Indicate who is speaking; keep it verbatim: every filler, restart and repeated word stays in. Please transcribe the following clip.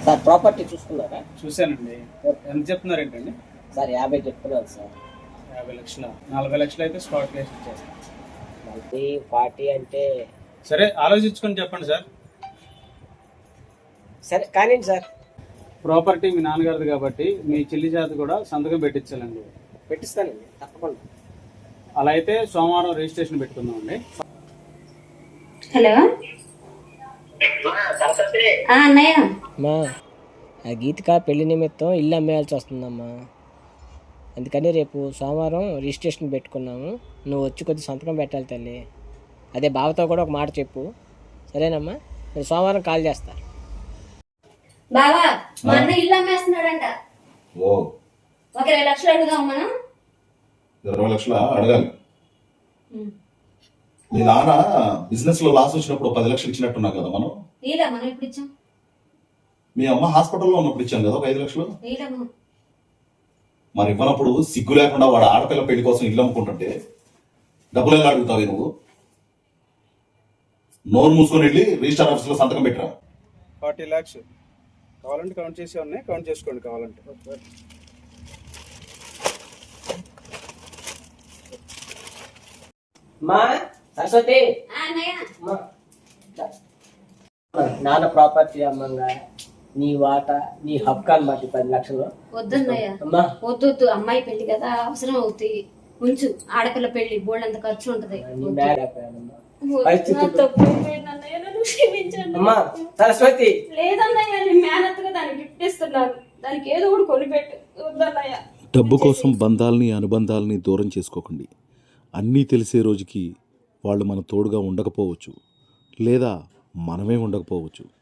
Speaker 1: Sir property చూసుకున్నారా?
Speaker 2: చూశానండి. ఎంత చెప్తున్నారు ఏంటండి?
Speaker 1: సార్ యాభై చెప్తున్నాను సార్.
Speaker 2: యాభై లక్షల నలభై లక్షలు అయితే స్పాట్ కేసు ఇచ్చేస్తాను.
Speaker 1: నలభై ఫార్టీ అంటే
Speaker 2: సరే ఆలోచించుకొని చెప్పండి సార్.
Speaker 1: సరే కానీ సార్
Speaker 2: ప్రాపర్టీ మీ నాన్నగారిది కాబట్టి మీ చెల్లి చేత కూడా సంతకం పెట్టించాలండి.
Speaker 1: పెట్టిస్తానండి తప్పకుండా.
Speaker 2: అలా అయితే సోమవారం రిజిస్ట్రేషన్ పెట్టుకుందామండి.
Speaker 3: హలో అన్నయ్య,
Speaker 1: అమ్మా ఆ గీతిక పెళ్లి నిమిత్తం ఇల్లు అమ్మేయాల్సి వస్తుందమ్మా. అందుకని రేపు సోమవారం రిజిస్ట్రేషన్ పెట్టుకున్నాము. నువ్వు వచ్చి కొద్ది సంతకం పెట్టాలి తల్లి. అదే బావతో కూడా ఒక మాట చెప్పు, సరేనమ్మా? నేను సోమవారం కాల్ చేస్తా.
Speaker 3: బావా మా అన్న ఇల్లు అమ్మేస్తున్నాడంట.
Speaker 4: ఓ
Speaker 3: ఒక ఇరవై లక్షలు అడుగుదాం మనం.
Speaker 4: ఇరవై లక్షల అడగాలి. మీ నాన్న బిజినెస్ లో లాస్ వచ్చినప్పుడు పది లక్షలు ఇచ్చినట్టున్నా కదా మనం.
Speaker 3: నీలా మనం ఇప్పుడు ఇచ్చాం.
Speaker 4: మీ అమ్మ హాస్పిటల్లో ఉన్నప్పుడు ఇచ్చాం కదా ఒక ఐదు లక్షలు.
Speaker 3: నీలా మనం
Speaker 4: మరి ఇవ్వనప్పుడు సిగ్గు లేకుండా వాడు ఆడపిల్ల పెళ్లి కోసం ఇల్లు అమ్ముకుంటుంటే డబ్బులు ఎలా అడుగుతావు నువ్వు? నోరు మూసుకొని వెళ్ళి రిజిస్టర్ ఆఫీస్ లో సంతకం పెట్టరా.
Speaker 2: ఫార్టీ ల్యాక్స్ కావాలంటే కౌంట్ చేసి ఉన్నాయి, కౌంట్ చేసుకోండి కావాలంటే.
Speaker 1: మా సరస్వతి,
Speaker 3: ఆ అన్నయ్య,
Speaker 1: అమ్మా, నాన్న ప్రాపర్టీ అమ్మంగా నీ వాటా నీ హక్కు అన్నమాట ఈ పది లక్షలు.
Speaker 3: వద్దన్నయ్య,
Speaker 1: అమ్మా
Speaker 3: వద్దు వద్దు. అమ్మాయి పెళ్లి కదా, అవసరం అవుతాయి. ఉంచు, ఆడపిల్ల పెళ్లి బోల్డ్ అంత ఖర్చు ఉంటది.
Speaker 1: నీ బ్యాగ్ అయిపోయానమ్మా.
Speaker 3: నా
Speaker 1: పరిస్థితులు-
Speaker 3: తప్పు అయిపోయింది అన్నయ్య, నన్ను క్షమించండి.
Speaker 1: అమ్మా సరస్వతి,
Speaker 3: లేదన్నయ్య, నేను మేనత్తుగా దానికి గిఫ్ట్ ఇస్తున్నాను. దానికి ఏదో ఒకటి కొనిపెట్టు. వద్దన్నయ్య.
Speaker 5: డబ్బు కోసం బంధాలని అనుబంధాలని దూరం చేసుకోకండి. అన్నీ తెలిసే రోజుకి వాళ్ళు మన తోడుగా ఉండకపోవచ్చు, లేదా మనమే ఉండకపోవచ్చు.